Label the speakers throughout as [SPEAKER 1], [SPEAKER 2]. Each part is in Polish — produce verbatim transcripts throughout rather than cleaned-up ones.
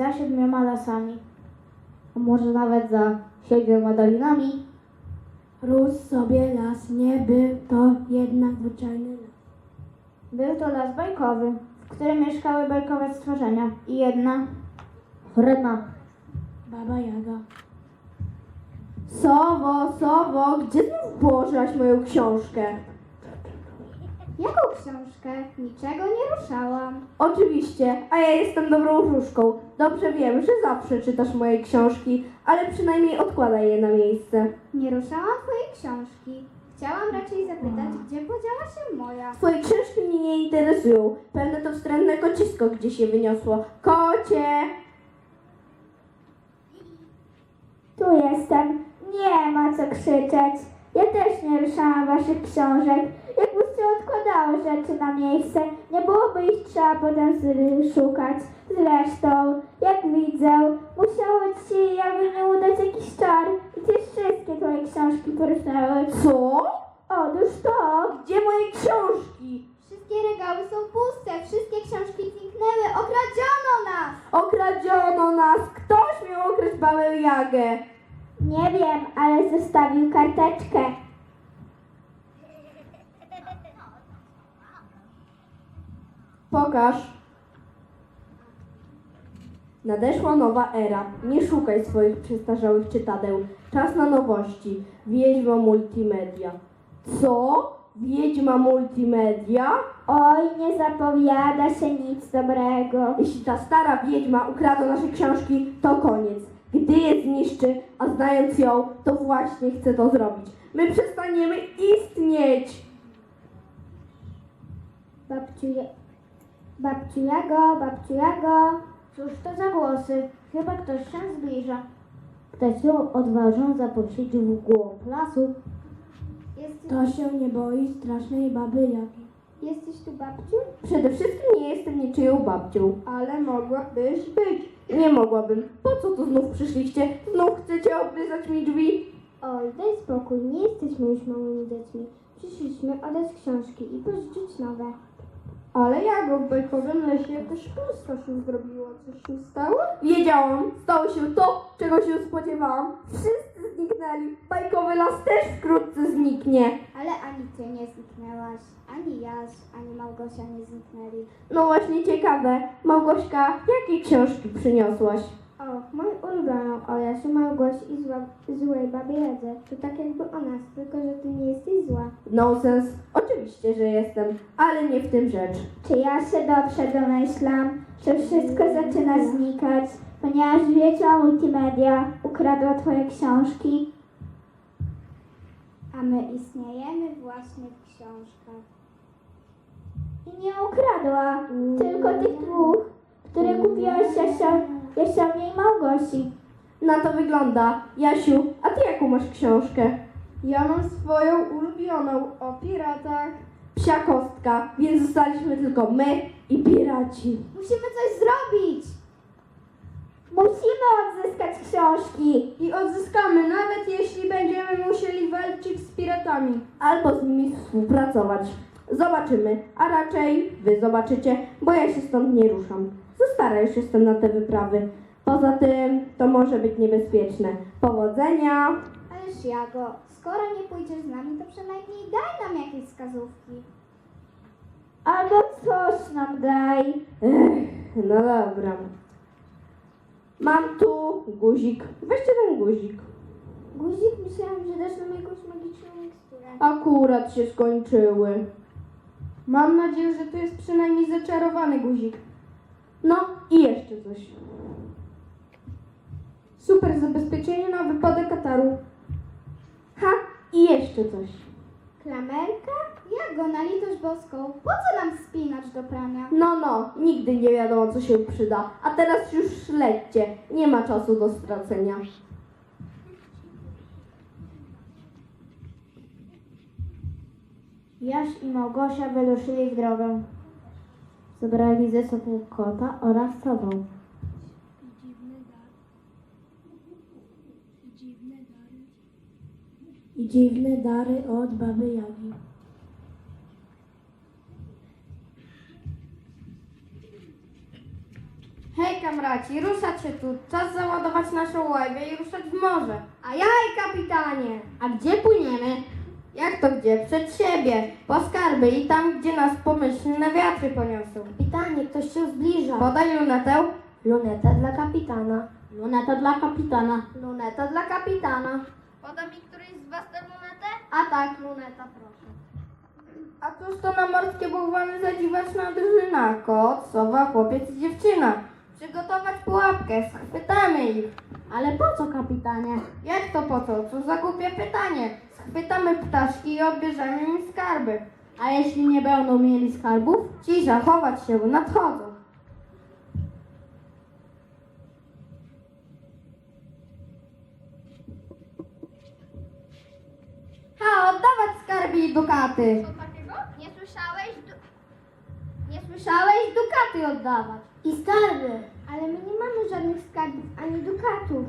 [SPEAKER 1] za siedmioma lasami. A może nawet za siedmioma dolinami?
[SPEAKER 2] Rósł sobie las, nie był to jednak zwyczajny las.
[SPEAKER 1] Był to las bajkowy, w którym mieszkały bajkowe stworzenia. I jedna wredna
[SPEAKER 2] Baba Jaga.
[SPEAKER 3] Sowo, Sowo, gdzie znów położyłaś moją książkę?
[SPEAKER 1] Jaką książkę? Niczego nie ruszałam.
[SPEAKER 3] Oczywiście, a ja jestem dobrą wróżką. Dobrze wiem, że zawsze czytasz moje książki, ale przynajmniej odkładaj je na miejsce.
[SPEAKER 1] Nie ruszałam twojej książki. Chciałam raczej zapytać, gdzie podziała się moja.
[SPEAKER 3] Twoje książki mnie nie interesują. Pewne to wstrętne kocisko gdzieś się wyniosło. Kocie!
[SPEAKER 1] Tu jestem. Nie ma co krzyczeć. Ja też nie ruszałam waszych książek. Jakbyście odkładały rzeczy na miejsce, nie byłoby ich trzeba potem z- szukać. Zresztą, jak widzę, musiało ci się jakby nie udać jakiś czar. Gdzieś wszystkie twoje książki poruszały.
[SPEAKER 3] Co?
[SPEAKER 1] Otóż to.
[SPEAKER 3] Gdzie moje książki?
[SPEAKER 1] Wszystkie regały są puste. Wszystkie książki zniknęły. Okradziono nas.
[SPEAKER 3] Okradziono nas! Ktoś miał okraść babę Jagę!
[SPEAKER 1] Nie wiem, ale zostawił karteczkę.
[SPEAKER 3] Pokaż. Nadeszła nowa era. Nie szukaj swoich przestarzałych czytadeł. Czas na nowości. Wiedźma multimedia. Co? Wiedźma multimedia?
[SPEAKER 1] Oj, nie zapowiada się nic dobrego.
[SPEAKER 3] Jeśli ta stara wiedźma ukradła nasze książki, to koniec. Gdy je zniszczy, a znając ją, to właśnie chce to zrobić. My przestaniemy istnieć!
[SPEAKER 1] Babciu, Je- babciu Jago, babciu Jago. Cóż to za głosy? Chyba ktoś się zbliża. Ktoś ją odważą zaprosić w głąb lasu. Jesteś,
[SPEAKER 2] To się nie boi strasznej baby Jagi.
[SPEAKER 1] jesteś tu, babciu?
[SPEAKER 3] Przede wszystkim nie jestem niczyją babcią.
[SPEAKER 2] Ale mogłabyś być.
[SPEAKER 3] Nie mogłabym. Po co tu znów przyszliście? Znów chcecie oblizać mi drzwi?
[SPEAKER 1] Oj, daj spokój, nie jesteśmy już małymi dziećmi. Przyszliśmy oddać książki i pożyczyć nowe.
[SPEAKER 2] Ale Jago, w bajkowym lesie jakaś pustosz się zrobiła. Coś się stało?
[SPEAKER 3] Wiedziałam, stało się to, czego się spodziewałam. Wszyscy zniknęli. Bajkowy las też wkrótce zniknie.
[SPEAKER 1] Ale ani ty nie zniknęłaś, ani Jaś, ani Małgosia nie zniknęli.
[SPEAKER 3] No właśnie ciekawe. Małgośka, jakie książki przyniosłaś?
[SPEAKER 1] O, moją ulubioną o Jasiu, Małgosi i zła, złej babie Jadze. To tak jakby o nas, tylko że ty nie jesteś zła.
[SPEAKER 3] Nonsens. Oczywiście, że jestem, ale nie w tym rzecz.
[SPEAKER 1] Czy ja się dobrze domyślam, że wszystko zaczyna znikać, ponieważ wiedźma multimedia ukradła twoje książki? A my istniejemy właśnie w książkach. I nie ukradła, tylko tych dwóch, które kupiłaś Jasia, Jasiowi i Małgosi.
[SPEAKER 3] Na to wygląda. Jasiu, a ty jaką masz książkę?
[SPEAKER 2] Ja mam swoją ulubioną o piratach.
[SPEAKER 3] Psia kostka, więc zostaliśmy tylko my i piraci.
[SPEAKER 1] Musimy coś zrobić! Musimy odzyskać książki!
[SPEAKER 2] I odzyskamy, nawet jeśli będziemy musieli walczyć z piratami.
[SPEAKER 3] Albo z nimi współpracować. Zobaczymy, a raczej wy zobaczycie, bo ja się stąd nie ruszam. Za stara już jestem na te wyprawy. Poza tym to może być niebezpieczne. Powodzenia!
[SPEAKER 1] Ależ Jago, skoro nie pójdziesz z nami, to przynajmniej daj nam jakieś wskazówki. Albo coś nam daj.
[SPEAKER 3] Ech, no dobra. Mam tu guzik. Weźcie ten guzik.
[SPEAKER 1] Guzik, myślałam, że dasz nam jakąś magiczną miksturę.
[SPEAKER 3] Akurat się skończyły.
[SPEAKER 2] Mam nadzieję, że to jest przynajmniej zaczarowany guzik.
[SPEAKER 3] No i jeszcze coś.
[SPEAKER 2] Super zabezpieczenie na wypadek kataru.
[SPEAKER 3] Ha, i jeszcze coś.
[SPEAKER 1] Klamerka? Jago, na litość boską, po co nam spinacz do prania?
[SPEAKER 3] No, no, nigdy nie wiadomo, co się przyda. A teraz już lećcie. Nie ma czasu do stracenia.
[SPEAKER 1] Jaś i Małgosia wyruszyli w drogę. Zabrali ze sobą kota oraz sobą.
[SPEAKER 2] I dziwne dary od baby Jagi.
[SPEAKER 3] Hej, kamrat!
[SPEAKER 2] braci, ruszać się tu. Czas załadować naszą łajbę i ruszać w morze.
[SPEAKER 1] A jaj, kapitanie!
[SPEAKER 3] A gdzie płyniemy?
[SPEAKER 2] Jak to gdzie? Przed siebie, po skarby i tam, gdzie nas pomyślne wiatry poniosą.
[SPEAKER 1] Kapitanie, ktoś się zbliża.
[SPEAKER 2] Podaj lunetę.
[SPEAKER 1] Luneta dla kapitana.
[SPEAKER 3] Luneta dla kapitana.
[SPEAKER 1] Luneta dla kapitana.
[SPEAKER 2] Poda mi któryś z was tę lunetę?
[SPEAKER 1] A tak, luneta, proszę.
[SPEAKER 2] A cóż to na morskie bałwany zadziwaczna drużyna? Kot, sowa, chłopiec i dziewczyna. Przygotować pułapkę, schwytamy ich.
[SPEAKER 3] Ale po co, kapitanie?
[SPEAKER 2] Jak to po co? Co za głupie pytanie. Schwytamy ptaszki i odbierzemy im skarby.
[SPEAKER 3] A jeśli nie będą mieli skarbów?
[SPEAKER 2] Cisza, chować się, nadchodzą. Ha, oddawać skarby i dukaty.
[SPEAKER 1] Co takiego? Nie słyszałeś? Du- nie słyszałeś? Dukaty oddawać. I skarby. Ale my nie mamy żadnych skarbów ani dukatów.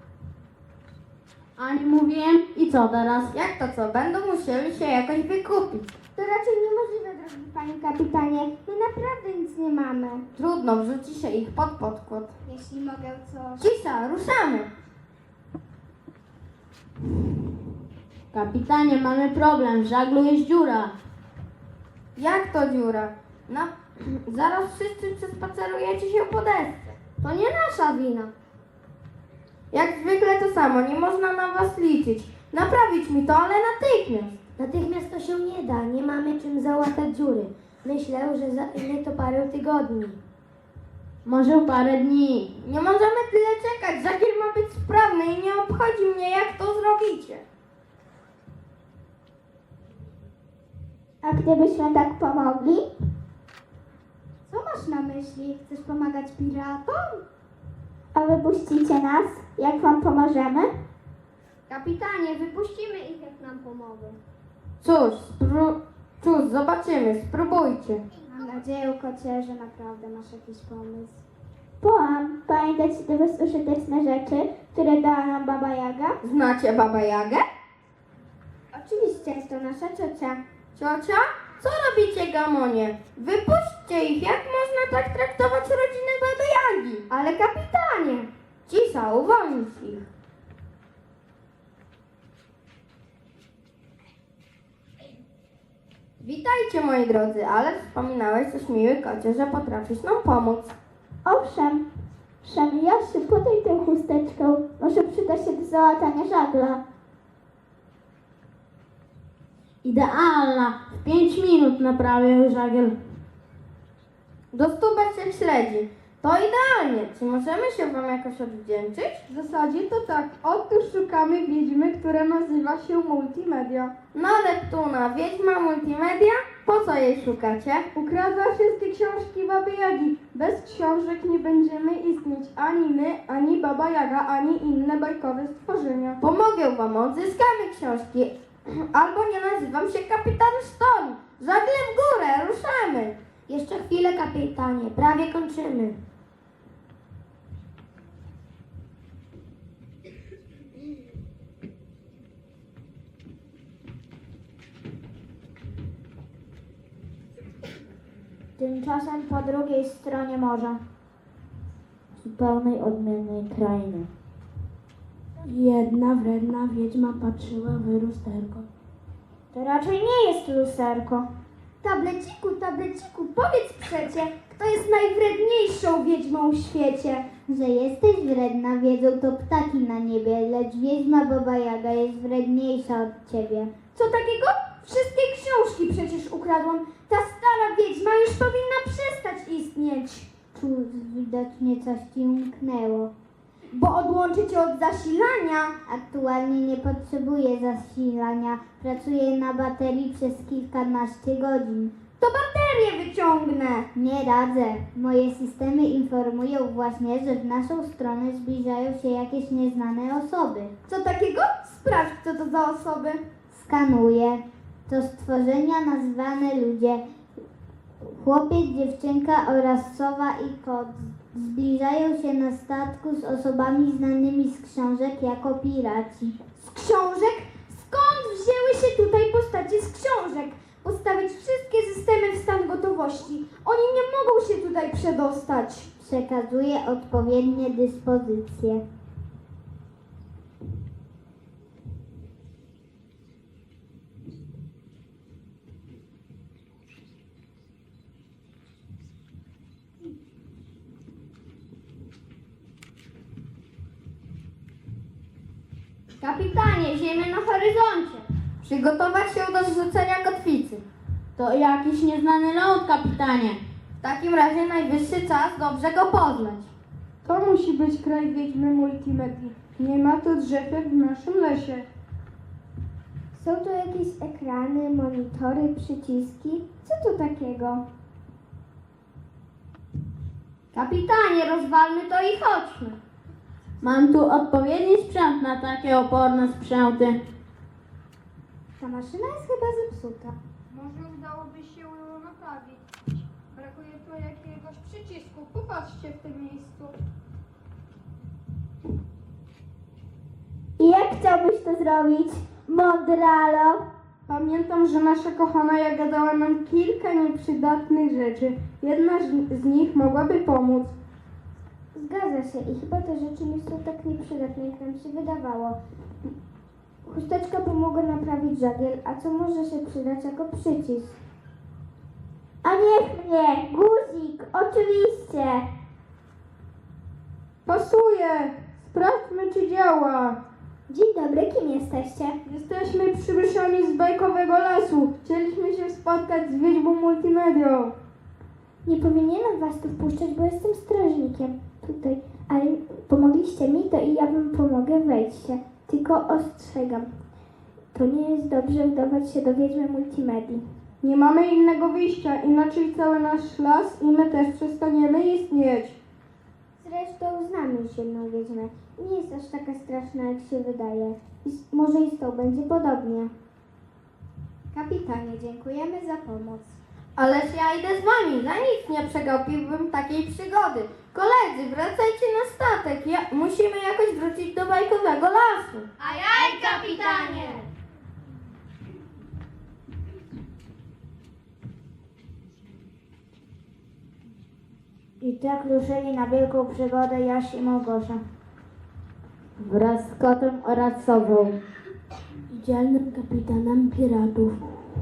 [SPEAKER 3] Ani mówiłem. I co teraz?
[SPEAKER 2] Jak to co? Będą musieli się jakoś wykupić.
[SPEAKER 1] To raczej niemożliwe, drogi panie kapitanie. My naprawdę nic nie mamy.
[SPEAKER 2] Trudno, wrzuci się ich pod podkład.
[SPEAKER 1] Jeśli mogę coś...
[SPEAKER 2] Cisza, ruszamy.
[SPEAKER 3] Kapitanie, mamy problem. W żaglu jest dziura.
[SPEAKER 2] Jak to dziura? No, zaraz wszyscy przespacerujecie się po desce.
[SPEAKER 1] To nie nasza wina.
[SPEAKER 2] Jak zwykle to samo, nie można na was liczyć. Naprawić mi to, ale natychmiast.
[SPEAKER 1] Natychmiast to się nie da. Nie mamy czym załatać dziury. Myślę, że zajmie to parę tygodni.
[SPEAKER 3] Może parę dni.
[SPEAKER 2] Nie możemy tyle czekać, żagiel ma być sprawny i nie obchodzi mnie, jak to zrobicie.
[SPEAKER 1] A gdybyśmy tak pomogli? Co masz na myśli? Chcesz pomagać piratom? A wypuścicie nas, jak wam pomożemy? Kapitanie, wypuścimy ich, jak nam pomogą.
[SPEAKER 2] Cóż, spró- cóż, zobaczymy, spróbujcie.
[SPEAKER 1] Mam nadzieję, kocie, że naprawdę masz jakiś pomysł. Połam, pamiętacie te bezużyteczne rzeczy, które dała nam Baba Jaga?
[SPEAKER 2] Znacie Babę Jagę?
[SPEAKER 1] Oczywiście, to nasza ciocia.
[SPEAKER 2] Ciocia? Co robicie, gamonie? Wypuśćcie ich, jak można tak traktować rodzinę Baby Jagi?
[SPEAKER 1] Ale kapitanie!
[SPEAKER 2] Cisza, uwolnić ich. Witajcie, moi drodzy, ale wspominałeś coś, miły kocie, że potrafisz nam pomóc.
[SPEAKER 1] Owszem, Szemi, Jasiu, podaj tę chusteczkę. Może przyda się do załatania żagla.
[SPEAKER 3] Idealna. W pięć minut naprawię żagiel.
[SPEAKER 2] Do stubek się śledzi. To idealnie. Czy możemy się wam jakoś odwdzięczyć?
[SPEAKER 4] W zasadzie to tak. Otóż szukamy wiedźmy, która nazywa się Multimedia.
[SPEAKER 2] No Neptuna, wiedźma multimedia? Po co jej szukacie?
[SPEAKER 4] Ukradła wszystkie książki Baby Jagi. Bez książek nie będziemy istnieć ani my, ani Baba Jaga, ani inne bajkowe stworzenia.
[SPEAKER 2] Pomogę wam, odzyskamy książki. Albo nie nazywam się kapitan Sztorm. Żagle w górę, ruszamy.
[SPEAKER 1] Jeszcze chwilę, kapitanie, prawie kończymy. Tymczasem po drugiej stronie morza, zupełnej odmiennej krainy.
[SPEAKER 3] Jedna wredna wiedźma patrzyła w lusterko.
[SPEAKER 1] To raczej nie jest lusterko. Tableciku, tableciku, powiedz przecie, kto jest najwredniejszą wiedźmą w świecie?
[SPEAKER 5] Że jesteś wredna, wiedzą to ptaki na niebie, lecz wiedźma Baba Jaga jest wredniejsza od ciebie.
[SPEAKER 1] Co takiego? Wszystkie książki przecież ukradłam. Ta stara wiedźma już powinna przestać istnieć.
[SPEAKER 5] Cóż, widocznie coś ci umknęło.
[SPEAKER 1] Bo odłączy cię od zasilania.
[SPEAKER 5] Aktualnie nie potrzebuję zasilania, pracuję na baterii przez kilkanaście godzin.
[SPEAKER 1] To baterię wyciągnę.
[SPEAKER 5] Nie radzę. Moje systemy informują właśnie, że w naszą stronę zbliżają się jakieś nieznane osoby.
[SPEAKER 1] Co takiego? Sprawdź, co to za osoby.
[SPEAKER 5] Skanuję. To stworzenia nazwane ludzie. Chłopiec, dziewczynka oraz sowa i kot zbliżają się na statku z osobami znanymi z książek jako piraci.
[SPEAKER 1] Z książek? Skąd wzięły się tutaj postacie z książek? Postawić wszystkie systemy w stan gotowości. Oni nie mogą się tutaj przedostać.
[SPEAKER 5] przekazuje odpowiednie dyspozycje.
[SPEAKER 2] Kapitanie, ziemia na horyzoncie. Przygotować się do zrzucenia kotwicy.
[SPEAKER 6] To jakiś nieznany ląd, kapitanie.
[SPEAKER 2] W takim razie najwyższy czas dobrze go poznać.
[SPEAKER 4] To musi być kraj wiedźmy multimedii. Nie ma tu drzew jak w naszym lesie.
[SPEAKER 1] Są tu jakieś ekrany, monitory, przyciski? Co to takiego?
[SPEAKER 2] Kapitanie, rozwalmy to i chodźmy.
[SPEAKER 6] Mam tu odpowiedni sprzęt na takie oporne sprzęty.
[SPEAKER 1] Ta maszyna jest chyba zepsuta.
[SPEAKER 4] Może udałoby się ją naprawić. Brakuje tu jakiegoś przycisku. Popatrzcie w tym miejscu.
[SPEAKER 1] I jak chciałbyś to zrobić, Mondralo?
[SPEAKER 4] Pamiętam, że nasza kochana Jaga dała nam kilka nieprzydatnych rzeczy. Jedna z z nich mogłaby pomóc.
[SPEAKER 1] Zgadza się i chyba te rzeczy nie są tak nieprzydatne, jak nam się wydawało. Chusteczka pomogła naprawić żagiel, a co może się przydać jako przycisk? A niech mnie! Guzik! Oczywiście!
[SPEAKER 4] Pasuje! Sprawdźmy, czy działa.
[SPEAKER 1] Dzień dobry, kim jesteście?
[SPEAKER 4] Jesteśmy przybyszami z bajkowego lasu. Chcieliśmy się spotkać z wiedźmą multimedią.
[SPEAKER 1] Nie powinienem was tu wpuszczać, bo jestem strażnikiem tutaj, ale pomogliście mi, to i ja wam pomogę, wejdźcie. Tylko ostrzegam, to nie jest dobrze udawać się do wiedźmy multimedii.
[SPEAKER 4] Nie mamy innego wyjścia, inaczej cały nasz las i my też przestaniemy istnieć.
[SPEAKER 1] Zresztą znam już jedną wiedźmę. Nie jest aż taka straszna, jak się wydaje. I z- może i z tą będzie podobnie. Kapitanie, dziękujemy za pomoc.
[SPEAKER 2] Ależ ja idę z wami, za nic nie przegapiłbym takiej przygody. Koledzy, wracajcie na statek. Ja, musimy jakoś wrócić do bajkowego lasu.
[SPEAKER 5] Ajaj, kapitanie! I tak ruszyli na wielką przygodę Jaś i Małgosia. Wraz z kotem oraz sobą. I dzielnym kapitanem piratów.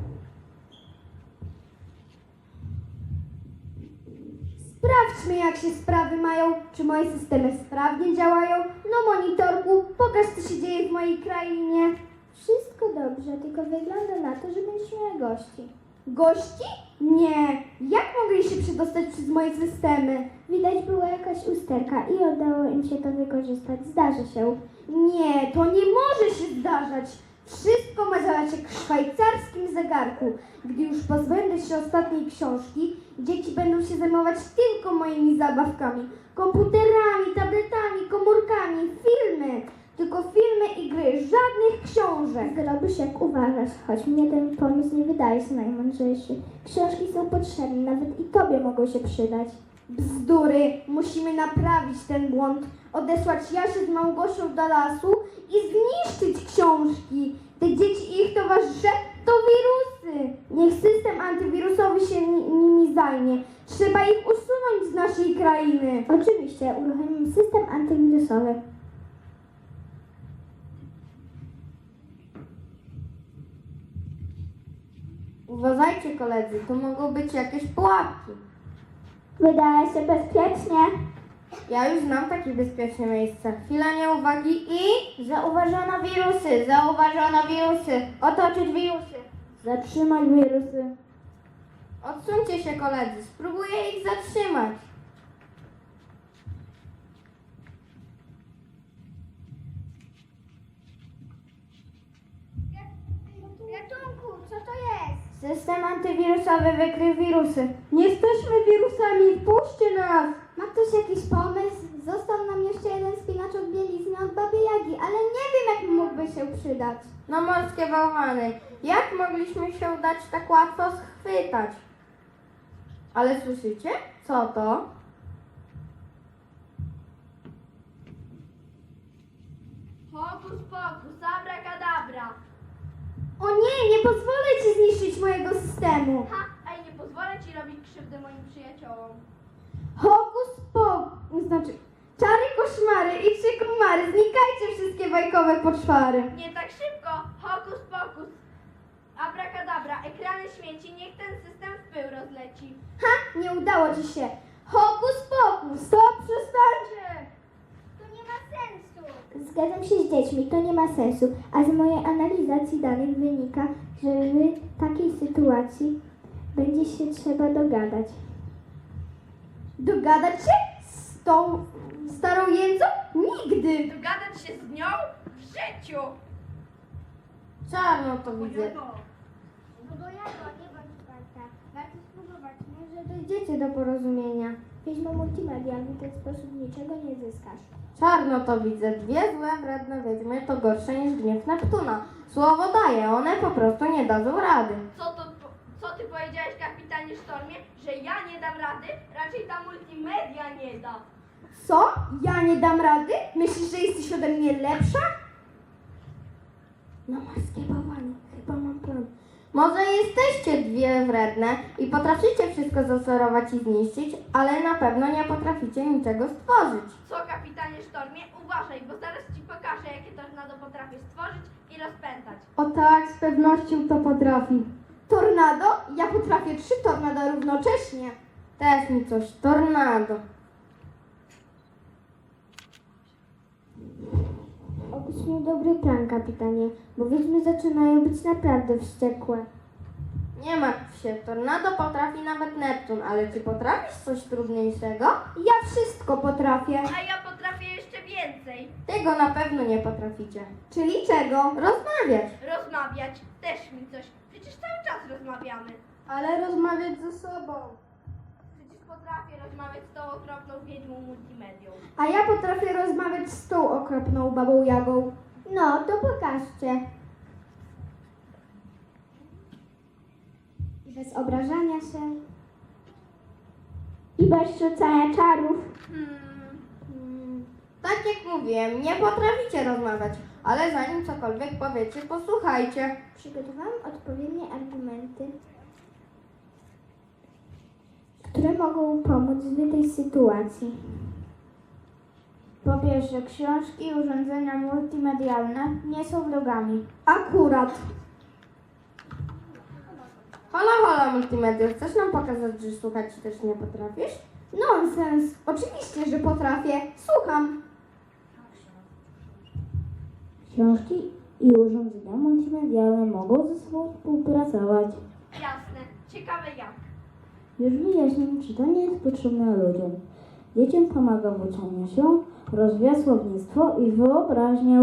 [SPEAKER 1] Sprawdźmy, jak się sprawy mają, czy moje systemy sprawnie działają. No monitorku, pokaż, co się dzieje w mojej krainie. Wszystko dobrze, tylko wygląda na to, że będziesz miała gości. Gości? Nie. Jak mogli się przedostać przez moje systemy? Widać była jakaś usterka i udało im się to wykorzystać. Zdarzy się. Nie, to nie może się zdarzać. Wszystko ma działać jak w szwajcarskim zegarku. Gdy już pozbędę się ostatniej książki, dzieci będą się zajmować tylko moimi zabawkami. Komputerami, tabletami, komórkami, filmy. Tylko filmy i gry, żadnych książek. Zrobisz jak uważasz, choć mnie ten pomysł nie wydaje się najmądrzejszy. Książki są potrzebne, nawet i tobie mogą się przydać. Bzdury, musimy naprawić ten błąd, odesłać Jasię z Małgosią do lasu i zniszczyć książki. Te dzieci i ich towarzysze to wirusy. Niech system antywirusowy się ni- nimi zajmie. Trzeba ich usunąć z naszej krainy. Oczywiście, uruchomimy system antywirusowy.
[SPEAKER 2] Uważajcie koledzy, to mogą być jakieś pułapki.
[SPEAKER 1] Wydaje się bezpiecznie.
[SPEAKER 2] Ja już znam takie bezpieczne miejsca. Chwila nieuwagi i... Zauważono wirusy, zauważono wirusy. Otoczyć wirusy.
[SPEAKER 6] Zatrzymać wirusy.
[SPEAKER 2] Odsuńcie się koledzy, spróbuję ich zatrzymać.
[SPEAKER 1] Ratunku, co to jest?
[SPEAKER 2] System antywirusowy wykrył wirusy.
[SPEAKER 4] Nie jesteśmy wirusami, wpuśćcie nas!
[SPEAKER 1] Ma ktoś jakiś pomysł? Został nam jeszcze jeden spinacz od bielizny od Baby Jagi, ale nie wiem, jak mógłby się przydać.
[SPEAKER 2] No morskie bałwany, jak mogliśmy się dać tak łatwo schwytać? Ale słyszycie? Co to?
[SPEAKER 6] Hokus pokus, abracadabra.
[SPEAKER 1] O nie, nie pozwolę ci zniszczyć mojego systemu.
[SPEAKER 6] Ha, ej, nie pozwolę ci robić krzywdy moim przyjaciołom.
[SPEAKER 1] Hokus pokus.
[SPEAKER 4] Znaczy, czary, koszmary i trzy komary. Znikajcie wszystkie bajkowe poczwary.
[SPEAKER 2] Nie tak szybko, hokus pokus. Abracadabra, ekrany śmieci, niech ten system w pył rozleci.
[SPEAKER 4] Ha, nie udało ci się.
[SPEAKER 2] Hokus pokus!
[SPEAKER 4] Stop, przestańcie!
[SPEAKER 1] To nie ma sensu. Zgadzam się z dziećmi, to nie ma sensu. A z mojej analizacji danych wynika, że w takiej sytuacji będzie się trzeba dogadać.
[SPEAKER 4] Dogadać się z tą starą jędzą? Nigdy!
[SPEAKER 2] Dogadać się z nią w życiu!
[SPEAKER 6] Czarno to widzę.
[SPEAKER 1] No bo ja to nie bądź warta. Warto spróbować, może dojdziecie do porozumienia. Wiedźmo multimedialny w ten sposób niczego nie zyskasz.
[SPEAKER 6] Czarno to widzę. Dwie złe, wredne wiedźmy to gorsze niż gniew Neptuna. Słowo daję, one po prostu nie dadzą rady.
[SPEAKER 2] Co, to, co ty powiedziałeś, kapitanie Sztormie? Że ja nie dam rady? Raczej ta multimedia nie da.
[SPEAKER 4] Co? Ja nie dam rady? Myślisz, że jesteś ode mnie lepsza?
[SPEAKER 6] No morskie bałwany, chyba mam plan. Może jesteście dwie wredne i potraficie wszystko zasorować i zniszczyć, ale na pewno nie potraficie niczego stworzyć.
[SPEAKER 2] Co, kapitanie Sztormie? Uważaj, bo zaraz ci pokażę, jakie tornado potrafię stworzyć i rozpętać.
[SPEAKER 4] O tak, z pewnością to potrafi. Tornado? Ja potrafię trzy tornado równocześnie.
[SPEAKER 6] Też mi coś, tornado.
[SPEAKER 1] Obyś miał dobry plan, kapitanie, bo wiedźmy zaczynają być naprawdę wściekłe.
[SPEAKER 6] Nie martw się, tornado potrafi nawet Neptun, ale czy potrafisz coś trudniejszego?
[SPEAKER 4] Ja wszystko potrafię.
[SPEAKER 2] A ja potrafię jeszcze więcej.
[SPEAKER 6] Tego na pewno nie potraficie.
[SPEAKER 4] Czyli czego?
[SPEAKER 6] Rozmawiać.
[SPEAKER 2] Rozmawiać też mi coś. Przecież cały czas rozmawiamy.
[SPEAKER 4] Ale rozmawiać ze sobą.
[SPEAKER 2] Przecież potrafię rozmawiać z tą okropną wiedźmą multimedią.
[SPEAKER 4] A ja potrafię rozmawiać z tą okropną babą Jagą.
[SPEAKER 1] No, to pokażcie. Bez obrażania się. I bez rzucania czarów.
[SPEAKER 2] Hmm.
[SPEAKER 6] Tak jak mówiłem, nie potraficie rozmawiać, ale zanim cokolwiek powiecie, posłuchajcie.
[SPEAKER 1] Przygotowałam odpowiednie argumenty, które mogą pomóc w tej sytuacji. Po pierwsze, książki i urządzenia multimedialne nie są vlogami.
[SPEAKER 4] Akurat.
[SPEAKER 6] Hola, hola, multimedia, chcesz nam pokazać, że słuchać też nie potrafisz?
[SPEAKER 4] Nonsens. Oczywiście, że potrafię. Słucham.
[SPEAKER 7] Książki i urządzenia multimedialne mogą ze sobą współpracować.
[SPEAKER 2] Jasne. Ciekawe jak.
[SPEAKER 7] Już wyjaśniam, czy to nie jest potrzebne ludziom. Dzieciom pomaga w uczeniu się, rozwija słownictwo i wyobraźnię.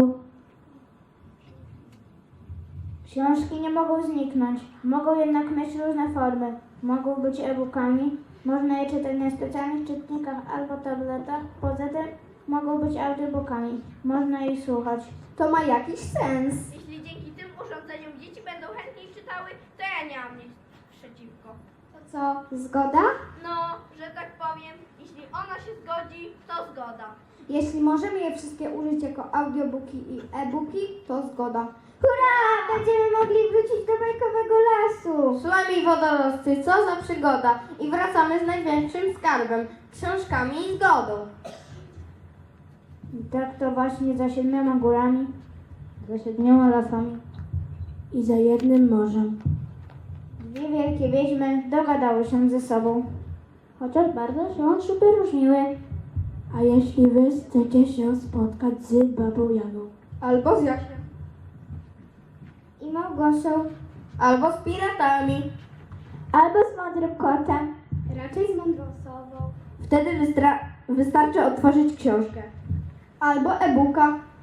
[SPEAKER 1] Książki nie mogą zniknąć, mogą jednak mieć różne formy. Mogą być e-bookami, można je czytać na specjalnych czytnikach albo tabletach. Poza tym mogą być audiobookami, można ich słuchać.
[SPEAKER 4] To ma jakiś sens.
[SPEAKER 2] Jeśli dzięki tym urządzeniom dzieci będą chętniej czytały, to ja nie mam nic przeciwko.
[SPEAKER 1] To co, zgoda?
[SPEAKER 2] No, że tak powiem, jeśli ona się zgodzi, to zgoda.
[SPEAKER 4] Jeśli możemy je wszystkie użyć jako audiobooki i e-booki, to zgoda.
[SPEAKER 1] Hurra! Będziemy mogli wrócić do bajkowego lasu!
[SPEAKER 6] Szłami wodorosty, co za przygoda! I wracamy z największym skarbem, książkami i zgodą.
[SPEAKER 1] I tak to właśnie za siedmioma górami, za siedmioma lasami
[SPEAKER 7] I za jednym morzem.
[SPEAKER 1] dwie wielkie wiedźmy dogadały się ze sobą, chociaż bardzo się od siebie różniły.
[SPEAKER 7] A jeśli wy chcecie się spotkać z babą Jagą?
[SPEAKER 4] Albo z Jasiem.
[SPEAKER 1] I Małgosią,
[SPEAKER 6] Albo z piratami.
[SPEAKER 1] albo z mądrym kotem.
[SPEAKER 4] Raczej z mądrą osobą.
[SPEAKER 3] Wtedy wystra- wystarczy otworzyć książkę.
[SPEAKER 4] Albo e-booka.